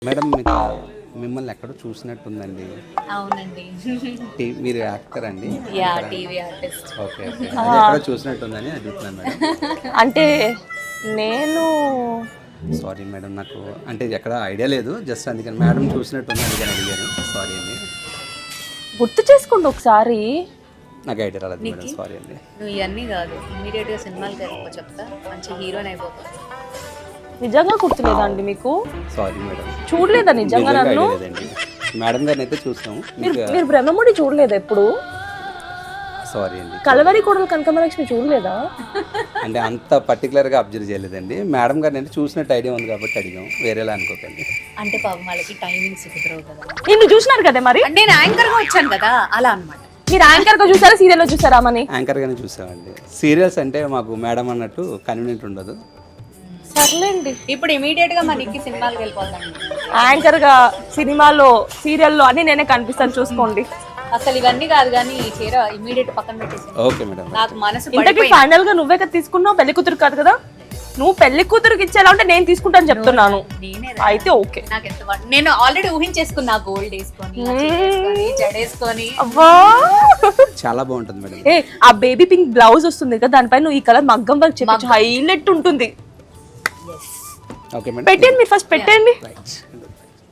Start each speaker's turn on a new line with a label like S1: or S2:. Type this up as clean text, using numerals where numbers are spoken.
S1: Madam మీకు మిమ్మల్ని ఎక్కడో చూసినట్టుందండి.
S2: అవునండి.
S1: మీరు యాక్టర్ అండి?
S2: Yeah, TV artist.
S1: Okay okay, అది ఎక్కడో చూసినట్టుందని అడుగుతున్నాను మేడం.
S3: అంటే నేను
S1: సారీ మేడం, నాకు అంటే ఎక్కడ ఐడియా లేదు, జస్ట్ అందుకని మేడం చూసినట్టుంది అందుకని అడిగాను. సారీ అండి,
S3: గుర్తు చేసుకోండి ఒకసారి.
S1: నాకు ఐడియా రాలేదు మేడం, సారీ అండి.
S2: నువ్వు ఇవన్నీ కాదు, ఇమీడియట్గా సినిమాలకి వెళ్ళిపో, చెప్తా మంచి హీరోయిన్ అయిపోతా.
S3: నిజంగా గుర్తులేదండి మీకు?
S1: సారీ మేడం,
S3: చూడలేదా నిజంగా నన్ను?
S1: ఐడియా లేదండి. మేడం గారిని అయితే చూస్తాము.
S3: మీరు బ్రహ్మముడి చూడలేదా ఎప్పుడు?
S1: సారీ అండి,
S3: కలవరి కోడలు కనకమలక్ష్మి చూడలేదా?
S1: అంటే అంత పర్టికులర్గా అబ్జర్వ్ చేయలేదండి. మేడం గారిని అయితే చూసినట్టు ఐడియా ఉంది కాబట్టి అడిగాం, వేరేలా అనుకోకండి.
S2: అంటే పాపం వాళ్ళకి టైమింగ్స్ కుదరవు కదా.
S3: నిన్ను చూసినారు కదా మరి.
S2: అంటే నేను యాంకర్గా వచ్చాను కదా, అలా అనమాట.
S3: మీరు యాంకర్ గా చూసారా, సీరియల్ లో చూసారా? మని
S1: యాంకర్ గానే చూసామండి. సీరియల్స్ అంటే మాకు మేడం అన్నట్టు కన్వీనియంట్ ఉండదు.
S3: సర్లేండి,
S2: ఇప్పుడు ఇమీడియట్ గా మనకి సినిమాలకు వెళ్ళిపోతాను.
S3: యాంకర్ గా సినిమాలో సీరియల్లో అన్ని నేనే కనిపిస్తాను, చూసుకోండి.
S2: అసలు ఇవన్నీ కాదు కానీ ఈ చీర ఇమీడియట్ పక్కన పెట్టేసి.
S1: Okay madam.
S2: నాకు మనసు
S3: ఇంతకీ ఫైనల్ గా నువ్వే కదా తీసుకున్నావు, పెళ్లి కూతురు కాదు కదా? నువ్వు పెళ్లి కూతురుకి ఇచ్చేలా ఉంటే నేను తీసుకుంటాను చెప్తున్నాను.
S2: నేనే
S3: అయితే ఓకే.
S2: నాకు ఎంత నేను ఆల్రెడీ ఊహించేసుకున్నా, గోల్డ్ వేసుకొని జడేసుకొని.
S3: అవ్వా,
S1: చాలా బాగుంటుంది మేడం.
S3: ఏ ఆ బేబీ పింక్ బ్లౌజ్ వస్తుంది కదా, దానిపైన నువ్వు ఈ కలర్ మగ్గం వర్క్ చెప్పచ్చు, హైలైట్ ఉంటుంది.
S1: ఓకే మేడం,
S3: పెట్టండి, మీరు ఫస్ట్ పెట్టండి.
S1: రైట్.